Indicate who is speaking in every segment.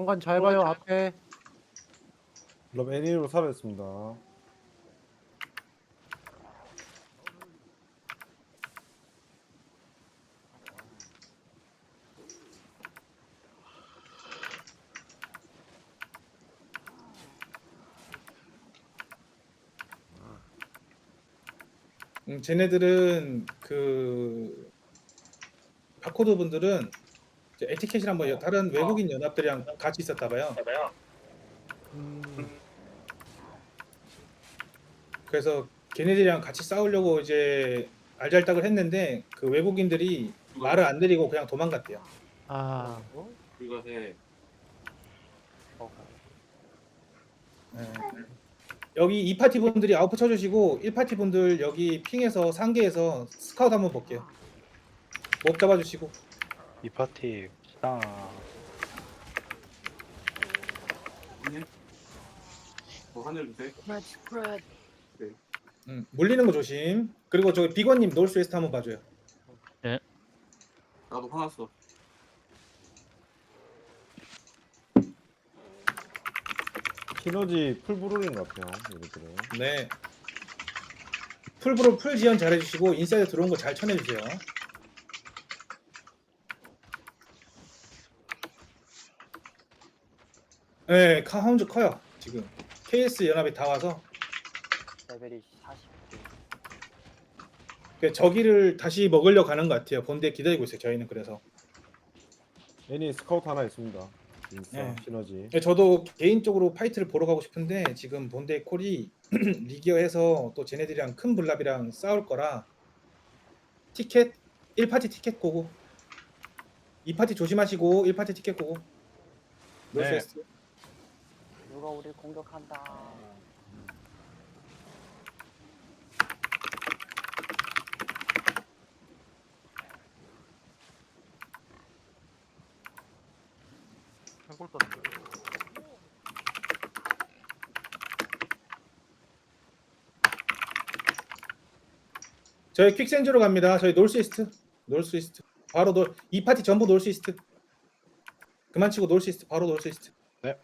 Speaker 1: 왕관 잘 봐요 앞에.
Speaker 2: 그럼 애니로 살아있습니다.
Speaker 3: 쟤네들은 그 바코드 분들은 에티켓이랑 뭐 다른 외국인 연합들이랑 같이 있었다 봐요. 그래서 걔네들이랑 같이 싸우려고 이제 알잘딱을 했는데 그 외국인들이 말을 안 들이고 그냥 도망갔대요.
Speaker 1: 아,
Speaker 4: 이거 해.
Speaker 3: 네. 여기 2파티 분들이 아웃풋 쳐주시고 1파티 분들 여기 핑에서 상계에서 스카우트 한번 볼게요. 몹 잡아주시고.
Speaker 5: 이 파티 시당
Speaker 4: 뭐 하늘 주세.
Speaker 3: 물리는 거 조심. 그리고 저기 비건님 노스웨스트 한번 봐줘요.
Speaker 4: 나도 화났어.
Speaker 2: 시너지 풀브롤인 것 같아요. 얘네들은.
Speaker 3: 네. 풀브로 풀 지연 잘해주시고 인사이드 들어온 거 잘 쳐내주세요. 네, 카운트 커요 지금. KS 연합이 다 와서
Speaker 6: 레벨이 40.
Speaker 3: 저기를 다시 먹으려 가는 것 같아요. 본대 기다리고 있어요. 저희는 그래서.
Speaker 2: 애니 스카우트 하나 있습니다. 인싸
Speaker 3: 네.
Speaker 2: 시너지.
Speaker 3: 저도 개인적으로 파이트를 보러 가고 싶은데 지금 본대 콜이 리기어해서 또 쟤네들이랑 큰 블랍이랑 싸울 거라 티켓 1파티 티켓 고고 2파티 조심하시고 1파티 티켓 고고 노스웨스트.
Speaker 6: 누가 우리 공격한다.
Speaker 1: 해골 떴네.
Speaker 3: 저희 퀵센즈로 갑니다. 저희 노스이스트. 노스이스트. 바로 2파티 전부 노스이스트. 그만 치고 노스이스트. 바로 노스이스트.
Speaker 5: 네.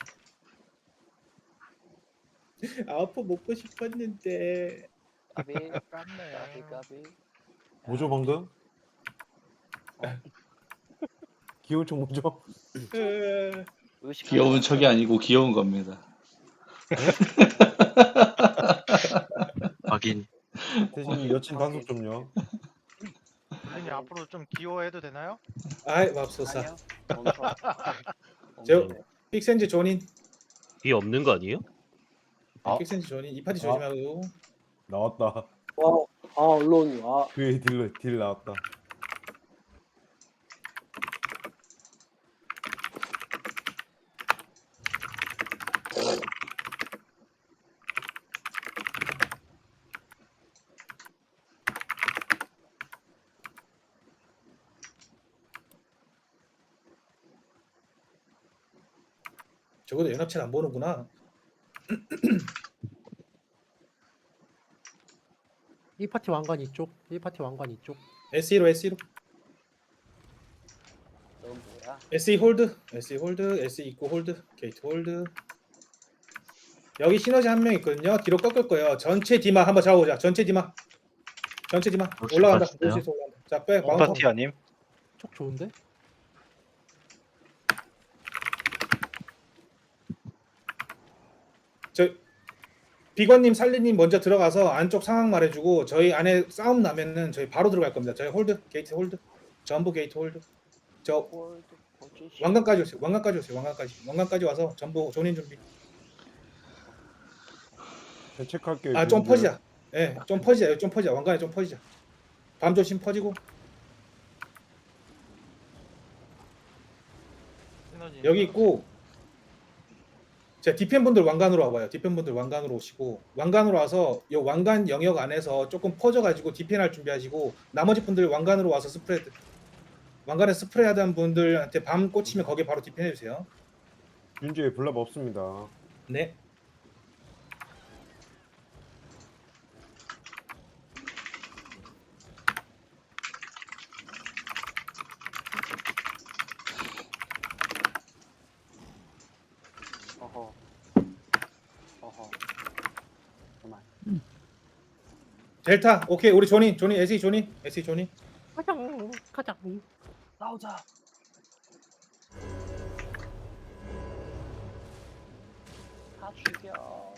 Speaker 3: 아웃풋 먹고 싶었는데.
Speaker 6: 까비.
Speaker 1: 깜네.
Speaker 6: 까비 까비.
Speaker 2: 뭐죠 방금? 귀여운 총 뭐죠?
Speaker 6: 의식.
Speaker 4: 귀여운 척이 아니고 귀여운 겁니다.
Speaker 5: 확인.
Speaker 2: 대신 여친 단속 좀요.
Speaker 1: 선생님 앞으로 좀 귀여워해도 되나요?
Speaker 3: 아이 맙소사.
Speaker 6: 아니요. 멈춰.
Speaker 3: 저 퀵센즈 존인.
Speaker 5: 이 없는 거 아니에요? 아.
Speaker 3: 퀵센즈 존인. 2파티 조심하고.
Speaker 2: 나왔다.
Speaker 6: 언론.
Speaker 2: 그의 딜 나왔다.
Speaker 3: 적어도 연합체는 안 보는구나.
Speaker 1: 이 파티 왕관 이쪽, 이 파티 왕관 이쪽.
Speaker 3: SE로 SE로.
Speaker 6: 넌 뭐야?
Speaker 3: SE 홀드. SE 홀드. SE 입고 홀드. 게이트 홀드. 여기 시너지 한 명 있거든요. 뒤로 꺾을 거예요. 전체 디마 한번 잡아보자. 전체 디마. 전체 디마. 올라간다.
Speaker 5: 봤어요?
Speaker 3: 노스에서 올라간다. 자, 백
Speaker 5: 이
Speaker 3: 마운트.
Speaker 5: 파티 아님?
Speaker 1: 쪽 좋은데?
Speaker 3: 저 비건님, 살리님 먼저 들어가서 안쪽 상황 말해주고 저희 안에 싸움 나면은 저희 바로 들어갈 겁니다. 저희 홀드, 게이트 홀드, 전부 게이트 홀드. 저
Speaker 6: 홀드 포지션.
Speaker 3: 왕관까지 오세요. 왕관까지 오세요. 왕관까지 와서 전부 존인 준비.
Speaker 2: 제가 체크할게요.
Speaker 3: 아, 좀 퍼지자. 예, 좀 퍼지자. 좀 퍼지자. 왕관에 좀 퍼지자. 밤 조심 퍼지고.
Speaker 1: 시너지.
Speaker 3: 여기 있고. 자, 디펜 분들 왕관으로 와봐요. 디펜 분들 왕관으로 오시고 왕관으로 와서 이 왕관 영역 안에서 조금 퍼져가지고 디펜할 준비하시고 나머지 분들 왕관으로 와서 스프레드. 왕관에 스프레이 하던 분들한테 밤 꽂히면 거기에 바로 디펜해 주세요.
Speaker 2: 윤주에 블랍 없습니다.
Speaker 3: 네.
Speaker 6: 어허. 어허. 그만.
Speaker 3: 델타. 오케이 우리 조니 SE 조니.
Speaker 6: 가자. 싸우자. 다 죽여.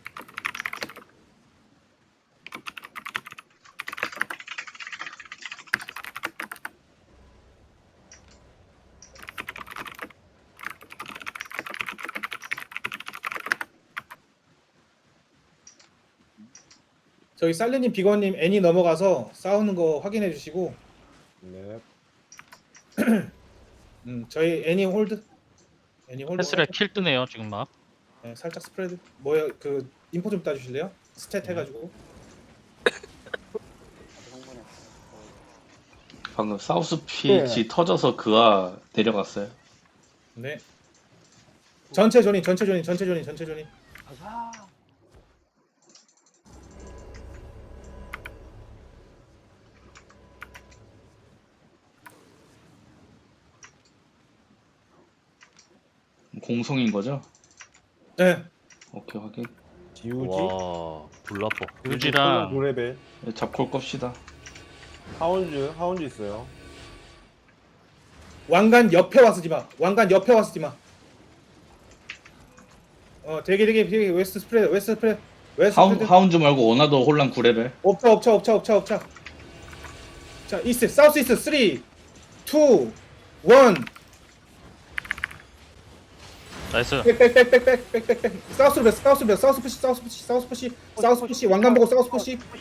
Speaker 3: 저기 살리님 비건님 애니 넘어가서 싸우는 거 확인해 주시고
Speaker 2: 네.
Speaker 3: 저희 애니 홀드
Speaker 7: 펜슬에 킬 뜨네요 지금 막.
Speaker 3: 네, 살짝 스프레드 뭐야 그 인포 좀 따주실래요? 스탯
Speaker 7: 네.
Speaker 3: 해가지고
Speaker 6: 성분했어.
Speaker 4: 방금 사우스 피치 터져서 그아 내려갔어요.
Speaker 3: 네 전체 조니
Speaker 6: 가자.
Speaker 4: 공성인 거죠?
Speaker 3: 네
Speaker 4: 오케이 확인.
Speaker 2: 지우지.
Speaker 5: 와 불나빠.
Speaker 7: 유지랑
Speaker 2: 9레벨.
Speaker 4: 네, 잡콜 겁시다.
Speaker 2: 하운즈 있어요.
Speaker 3: 왕관 옆에 와서 디마 되게 웨스트 스프레드
Speaker 4: 하운즈 말고 원하더 혼란 9레벨.
Speaker 3: 옵차 자 이스트 사우스 이스트 3 2 1
Speaker 7: 나이스.
Speaker 3: 백백백백백백백 사우스 푸시 왕관 보고 사우스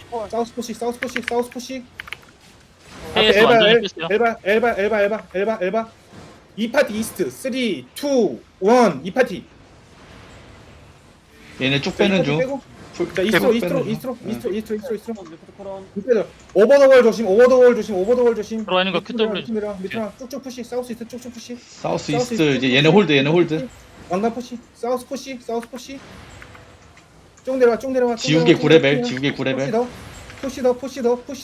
Speaker 3: 푸시
Speaker 7: 헤이에서 완전히 뺐어요.
Speaker 3: 엘바 이 파티 이스트 3 2 1 이 파티
Speaker 4: 얘네 쭉 빼는 중.
Speaker 3: 자
Speaker 4: 계속
Speaker 3: 이스트로
Speaker 4: 빼는 중.
Speaker 6: 리프트 크론.
Speaker 3: 오버더월 조심
Speaker 7: 들어와 있는 거 QW.
Speaker 3: 밑으로 쭉쭉 푸시 사우스 이스트 쭉쭉 푸시
Speaker 4: 사우스 이스트 이제 얘네 홀드.
Speaker 3: 왕관 푸시 사우스 푸시 쭉 내려와
Speaker 4: 지우개 9레벨.
Speaker 3: 푸시 더 푸시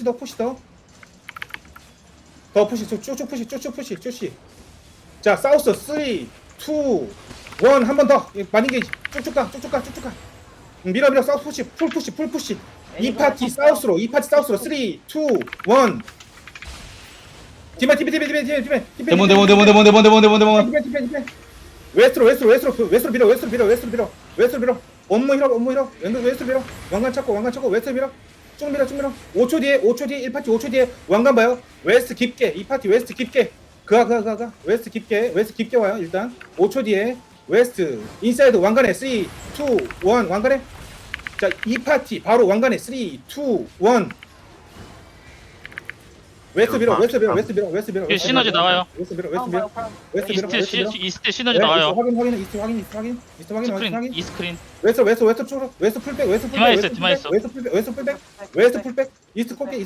Speaker 3: 쭉쭉 푸시 자 사우스 3 2 1 한 번 더 많이 게이지 쭉쭉 가 밀어 사우스 푸시 풀 푸시 이 파티 사우스로 3 2 1 디마
Speaker 4: 데몬.
Speaker 3: 웨스트로 밀어 업무 밀어 웨스트로 밀어 왕관 찾고 웨스트로 밀어 쭉 밀어 5초 뒤에 1파티 5초 뒤에 왕관 봐요 웨스트 깊게 이 파티 웨스트 깊게 가 웨스트 깊게 와요 일단 5초 뒤에 웨스트 인사이드 왕관에 3 2 1 왕관에 자 이 파티 바로 왕관에 3 2 1 웨스트 밀어
Speaker 7: 뒤에 시너지 나와요.
Speaker 3: 웨스트 밀어
Speaker 7: 이스트 시너지 나와요.
Speaker 3: 확인 이스트 확인
Speaker 7: 이스크린.
Speaker 3: 웨스트 쪽으로 웨스트 풀백
Speaker 7: 디마 있어.
Speaker 3: 웨스트 풀백 이스트 컵게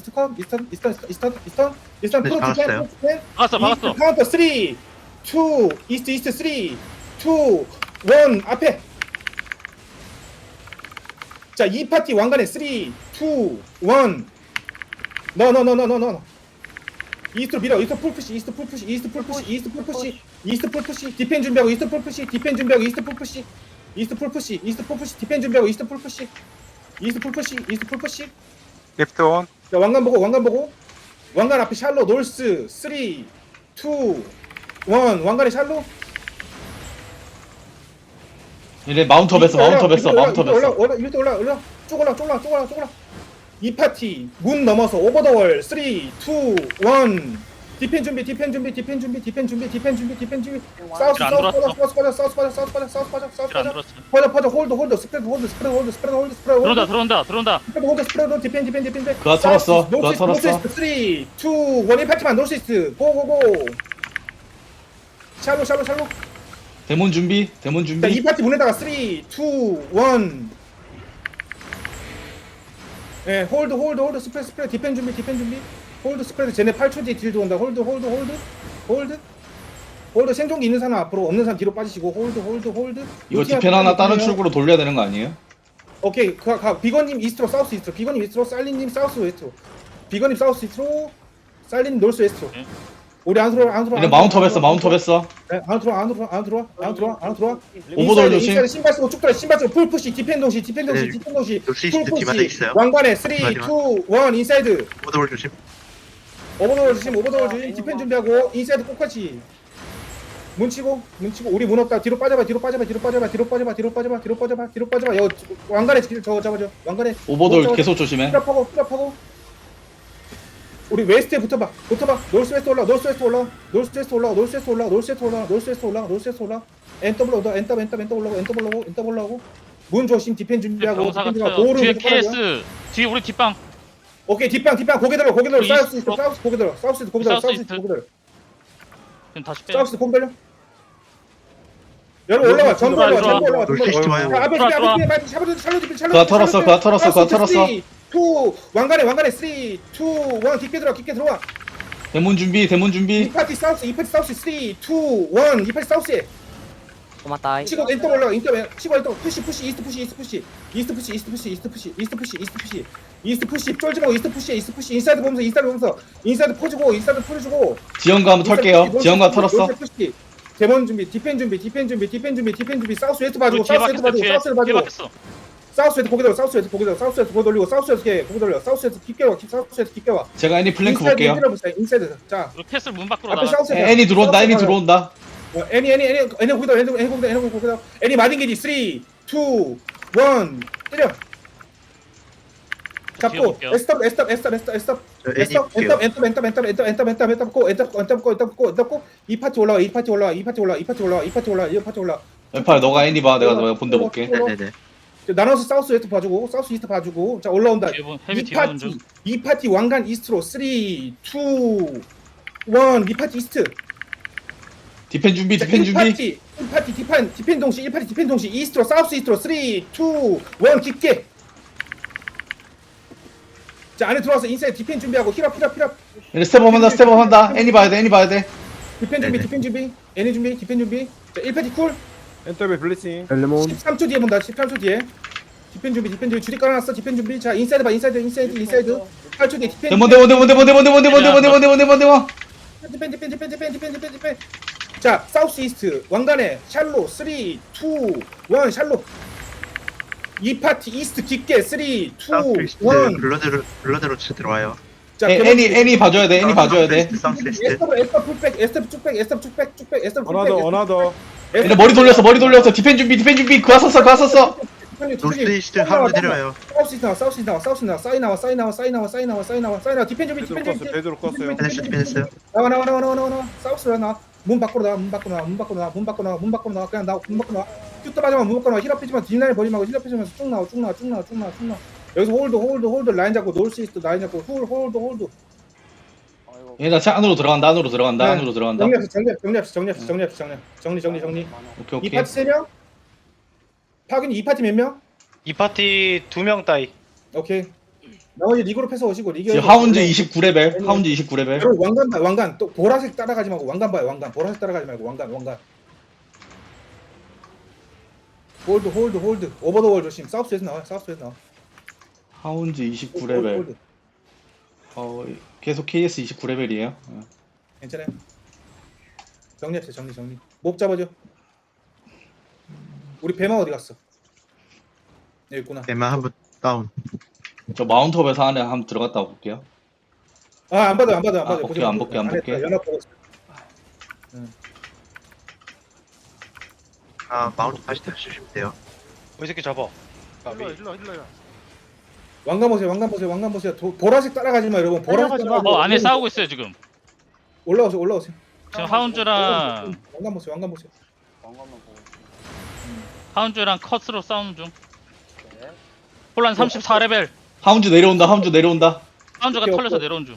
Speaker 3: 이스턴 프로
Speaker 7: 박았어.
Speaker 3: 카운터 3 2 이스트 3 2 1 앞에 자 이 파티 왕관에 3 2 1 No. 이스트로 밀어. 이스트 풀푸시. 디펜 준비하고 이스트 풀푸시. 디펜 준비하고 이스트 풀푸시.
Speaker 8: 리프트 온.
Speaker 3: 자, 왕관 보고. 왕관 앞에 샬로 놀스 3 2 1 왕관에 샬로.
Speaker 4: 얘네 마운트업했어.
Speaker 3: 이렇게 올라. 쭉 올라. 이 파티 문 넘어서 오버 더 월 3 2 1 디펜 준비 사우스
Speaker 7: 안 들어왔어.
Speaker 3: 퍼져 홀드 스프레드
Speaker 7: 들어온다.
Speaker 3: 스프레드 디펜
Speaker 4: 그아 털었어.
Speaker 3: 노스이스트 3 2 1 파티만 노스이스트 고고고 샬로
Speaker 4: 데몬 준비.
Speaker 3: 자, 이 파티 문에다가 3 2 1 예, 홀드 스프레드 디펜 준비 홀드 스프레드 쟤네 8초 뒤에 딜 들어온다 홀드 생존기 있는 사람 앞으로 없는 사람 뒤로 빠지시고 홀드
Speaker 4: 이거 디펜 하나 다른 출구로 돌려야 되는 거 아니에요?
Speaker 3: 오케이 가 비건님 이스트로 사우스 이스트로 비건님 이스트로 살린님 사우스 웨스트로 비건님 사우스 이스트로 살린 노스 웨스트로 우리 안 들어와 안 들어와.
Speaker 4: 얘네 마운트업 했어 마운트업 했어.
Speaker 3: 네, 안 들어와 안 들어와 안 들어와 안 들어와 안 들어와.
Speaker 4: 오버돌 조심.
Speaker 3: 인사이드 신발 쓰고 쭉 들어 신발 쓰고 풀 푸시 디펜 동시 디펜 동시
Speaker 8: 네.
Speaker 3: 디펜 동시
Speaker 8: 역시
Speaker 3: 풀
Speaker 8: 뒤마다
Speaker 3: 푸시
Speaker 8: 있어요.
Speaker 3: 왕관에 3 2 1
Speaker 8: 마지막.
Speaker 3: 인사이드
Speaker 8: 오버돌 조심.
Speaker 3: 오버돌 조심 오버돌 조심 디펜 준비하고 인사이드 꼭같이 문치고 우리 문 없다 뒤로 빠져봐 뒤로 빠져봐 뒤로 빠져봐 뒤로 빠져봐 뒤로 빠져봐 뒤로 빠져봐 뒤로 빠져봐 여 왕관에 저거 잡아줘 왕관에
Speaker 4: 오버돌 계속 조심해.
Speaker 3: 풀업하고 우리 웨스트에 붙어봐 노스웨스트 올라 노스웨스트 올라 노스웨스트 올라 노스웨스트 올라 노스웨스트 올라 노스웨스트 올라 노스웨스트 올라 엔더블 오더 엔더 올라오고 문 조심 디펜 준비하고
Speaker 7: 병사가
Speaker 3: 디펜
Speaker 7: 터요.
Speaker 3: 도어를
Speaker 7: 뒤에
Speaker 3: 계속 깔아줘.
Speaker 7: KS. 뒤에 우리 뒷방.
Speaker 3: 오케이 뒷방 고개 들어
Speaker 7: 우리
Speaker 3: 사우스
Speaker 7: 이스트.
Speaker 3: 사우스 고개 들어 사우스 고개 들어
Speaker 7: 사우스
Speaker 3: 사우스
Speaker 7: 이스트.
Speaker 3: 고개 들어
Speaker 7: 지금 다시 빼.
Speaker 3: 사우스 고개 들어 여러분 올라와 전부 올라와 전부 올라와 전부
Speaker 8: 놀시스트
Speaker 3: 올라와
Speaker 8: 와요.
Speaker 3: 자, 앞에
Speaker 7: 들어와,
Speaker 3: 샬롯 샬롯
Speaker 4: 그거 털었어, 그거 털었어, 그거 털었어.
Speaker 3: 2 왕관에 3 2 1 깊게 들어와
Speaker 4: 대문 준비
Speaker 3: 이 파티 사우스 3 2 1 이 파티 사우스에
Speaker 6: 고맙다.
Speaker 3: 치고 엔터 올라가 치고 엔터 푸시 이스트 푸시 쫄지 말고 이스트 푸시 인사이드 보면서 인사이드 퍼주고
Speaker 4: 지원가 한번 털게요. 지원가 털었어.
Speaker 3: 데몬 준비 디펜 준비 사우스 웨스트 봐주고
Speaker 7: 뒤에
Speaker 3: 사우스 웨스트
Speaker 7: 박혔어. 뒤에
Speaker 3: 봐주고
Speaker 7: 박혔어.
Speaker 3: 사우스 웨스트 고개 돌리고 사우스 웨스트 깊게 와
Speaker 4: 제가 애니 플랭크
Speaker 3: 인사이드
Speaker 4: 볼게요.
Speaker 3: 밀어보세요. 인사이드 자
Speaker 7: 우리 캐슬 문 밖으로
Speaker 3: 앞에
Speaker 7: 나가.
Speaker 3: 사우스
Speaker 4: 애니 들어온다.
Speaker 3: 애니 거기다 애니 마딩게지 3 2 1 때려 잡고
Speaker 7: 지워볼게요.
Speaker 3: 에스탑
Speaker 8: 저 애니 볼게요.
Speaker 3: 엔터 이 파티 올라와
Speaker 4: 왼팔 너가 애니 봐. 내가 본대 볼게.
Speaker 8: 네네네.
Speaker 3: 나눠서 사우스 웨스트 봐주고 사우스 이스트 봐주고 자 올라온다
Speaker 7: 헤비 뒤에 중.
Speaker 3: 이 파티 왕관 이스트로 3 2 1 이 파티 이스트
Speaker 4: 디펜 준비.
Speaker 3: 디펜 동시 1파티 디펜 동시 이스트로 사우스 이스트로 3 2 1 깊게 자 안에 들어와서 인사이드 디펜 준비하고 힐업
Speaker 4: 얘네 스텝업 한다. 애니 봐야 돼.
Speaker 3: 디펜 준비 애니 준비 디펜 준비 자 1파티 쿨
Speaker 2: 엔터베 블리싱.
Speaker 3: 13초 뒤에 본다 13초 뒤에 디펜 준비 줄이 깔아놨어 디펜 준비 자 인사이드 8초 뒤에 디펜
Speaker 4: 데몬.
Speaker 3: 디펜 자 사우스 이스트 왕관에 샬로 3 2 1 샬로 이 파티 이스트 깊게 3 2 1
Speaker 8: 사우스이스트 블러드로 쳐 들어와요.
Speaker 3: 자
Speaker 4: 애니 봐줘야 돼.
Speaker 8: 사우스이스트.
Speaker 3: 에스터 쭉백
Speaker 2: 어나더.
Speaker 4: 얘네 머리 돌렸어. 디펜 준비. 그거 썼어.
Speaker 8: 노스이스트 하로 내려와요.
Speaker 3: 사우스 나와 디펜 준비
Speaker 2: 베드로 껐어요.
Speaker 8: 디펜했어요.
Speaker 3: 나와 사우스로 나와 문 밖으로 나와 그냥 나와 큐터 맞으면 문 밖으로 나와 힐업 피지만 뒷라인 버리지 말고 힐업 피지면서 쭉 나와 여기서 홀드 라인 잡고 놀수 있어 라인 잡고 홀드
Speaker 4: 얘네 안으로 들어간다.
Speaker 3: 정리 이
Speaker 4: 오케이.
Speaker 3: 파티 3명 파균이 이 파티 몇 명?
Speaker 5: 이 파티 2명 따위.
Speaker 3: 오케이 나머지 리그로 패서 오시고 리그
Speaker 4: 지금 하운즈 29레벨.
Speaker 3: 여러분 왕관 또 보라색 따라가지 말고 왕관 봐요 왕관 보라색 따라가지 말고 왕관 홀드 오버 더 월 조심 사우스에서 나와
Speaker 4: 하운즈 29레벨.
Speaker 3: 홀드.
Speaker 4: 계속 KS 29레벨이에요.
Speaker 3: 괜찮아요 정리 목 잡아줘 우리 배마 어디 갔어 여기 있구나
Speaker 8: 대만 한번 다운.
Speaker 4: 저 마운트업에서 안에 한번 들어갔다 볼게요.
Speaker 3: 안 받아
Speaker 4: 안 볼게.
Speaker 3: 연합 보고 있어.
Speaker 8: 마운트 다시 주시면 돼요.
Speaker 5: 이 새끼 잡아.
Speaker 1: 힐러
Speaker 3: 왕관 보세요 보라색 따라가지 마 여러분 보라색 따라가지 마.
Speaker 7: 안에 싸우고 있어요 지금.
Speaker 3: 올라오세요
Speaker 7: 지금 하운즈랑
Speaker 3: 왕관 보세요
Speaker 7: 하운즈랑 컷으로 싸우는 중. 폴란 34레벨.
Speaker 4: 하운즈 내려온다.
Speaker 7: 하운즈가
Speaker 3: 오케이,
Speaker 7: 털려서
Speaker 3: 오케이.
Speaker 7: 내려온 중.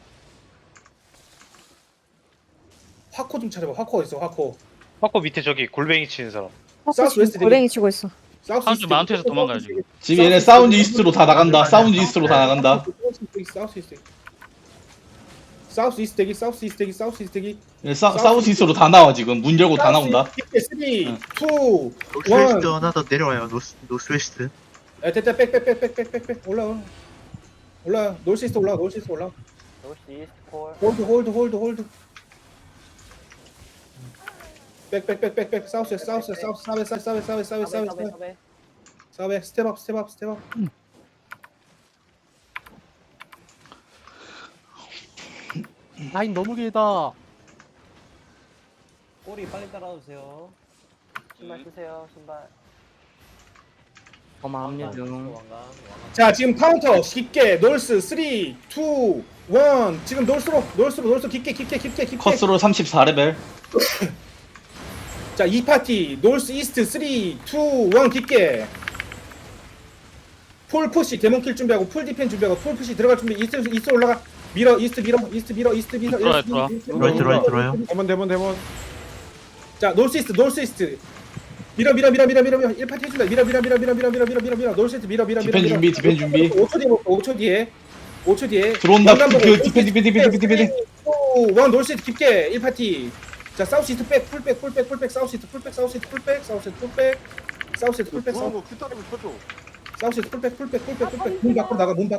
Speaker 3: 화코 좀 찾아봐 화코 어딨어 화코
Speaker 5: 파코 밑에 저기 골뱅이 치는 사람.
Speaker 3: 사우스 웨스트
Speaker 9: 고랭이 치고 있어.
Speaker 3: 사우스
Speaker 7: 하운즈
Speaker 3: 이스트.
Speaker 7: 마운트에서 도망가야지.
Speaker 4: 지금 얘네 사운드 이스트로 다 나간다.
Speaker 3: 사우스 이스트 대기
Speaker 4: 얘네 사우스 이스트로 다 나와 지금. 문 열고 다 나온다.
Speaker 3: 3 2 1
Speaker 8: 노스이스트 하나 더 내려와요. 노스웨스트.
Speaker 3: 됐다 백 올라 놀시스트 올라
Speaker 6: 노스 이스트 콜.
Speaker 3: 홀드 백백백백백 사우스 사우스 사우스 사베 사베 사베 사베 사베 사베 사베 사베 스텝업 스텝업 스텝업.
Speaker 6: 라인 너무 길다.
Speaker 9: 꼬리 빨리 따라오세요. 신발 쓰세요. 신발.
Speaker 6: 고마움요 중.
Speaker 9: 왕관.
Speaker 3: 자 지금 카운터 깊게 놀스 3, 2, 1 지금 놀스로 깊게
Speaker 4: 컷으로 34레벨.
Speaker 3: 자 2파티 놀스 이스트 3, 2, 1 깊게 풀 푸시 데몬킬 준비하고 풀 디펜 준비하고 풀 푸시 들어갈 준비 이스트 올라가 밀어 이스트 밀어
Speaker 7: 들어와.
Speaker 8: 들어와요.
Speaker 2: 대본.
Speaker 3: 자 놀스 이스트 밀어 1파티 해준다 밀어 놀스 이스트 밀어
Speaker 4: 디펜 준비, 디펜 준비.
Speaker 3: 5초 뒤에
Speaker 4: 들어온다.
Speaker 3: 왕관 보고
Speaker 4: 그 디펜.
Speaker 3: 1 놀스 이스트 깊게 1파티 자 사우스 이스트 풀백 사우스 이스트 풀백 사우스 이스트 풀백 사우스 이스트 풀백 사우스 이스트 풀백 문 밖으로 나가 문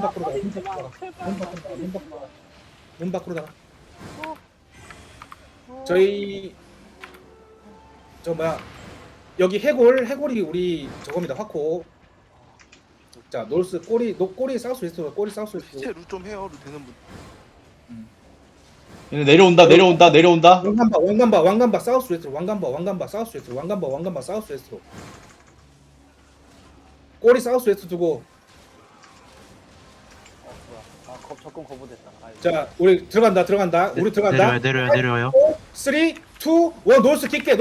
Speaker 3: 밖으로 나가 저희 저 뭐야 여기 해골이 우리 저겁니다 화코 자 놀스 꼬리 사우스 웨스트로 꼬리 사우스 웨스트로
Speaker 2: 좀 해요. 루 되는 분.
Speaker 4: 얘네 내려온다.
Speaker 3: 왕관바 사우스 웨스트로 왕관바 사우스 웨스트로 꼬리 사우스 웨스트 두고
Speaker 9: 뭐야? 접근 거부됐다.
Speaker 3: 자 우리 들어간다 우리 들어간다
Speaker 8: 내려와요.
Speaker 3: 3, 2, 1 놀스 깊게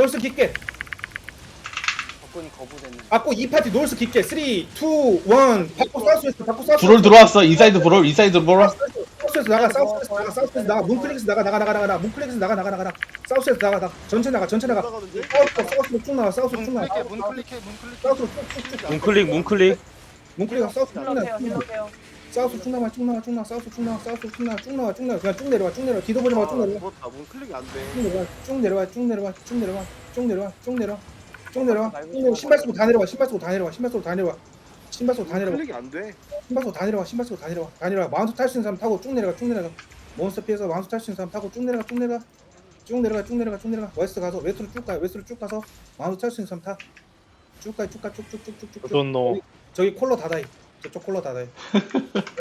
Speaker 9: 접근이 거부됐는데.
Speaker 3: 받고 2파티 놀스 깊게 3, 2, 1 받고 사우스 웨스트
Speaker 4: 브롤 들어왔어. 인사이드 브롤.
Speaker 3: 사우스에서 나가 문클릭에서 나가 문클릭에서 나가 사우스에서 나가 전체 나가 사우스로 쭉 나가 사우스로 쭉 나가 사우스로 쭉쭉쭉
Speaker 5: 문클릭.
Speaker 3: 문클릭 사우스 쭉 나가
Speaker 9: 힐러세요.
Speaker 3: 사우스 쭉 나가 사우스 쭉 나가 그냥 쭉 내려와 뒤도 보지 말고 쭉 내려와 쭉 내려와 신발 쓰고 다 내려와 신발 쓰고 다 내려와 마운트 탈 수 있는 사람 타고 쭉 내려가 몬스터 피해서 마운트 탈 수 있는 사람 타고 쭉 내려가 웨스트로 쭉 가서 마운트 탈 수 있는 사람 타 쭉가 쭉쭉쭉쭉쭉쭉
Speaker 5: don't know.
Speaker 3: 저기 콜러 닫아요 저쪽 콜러 닫아요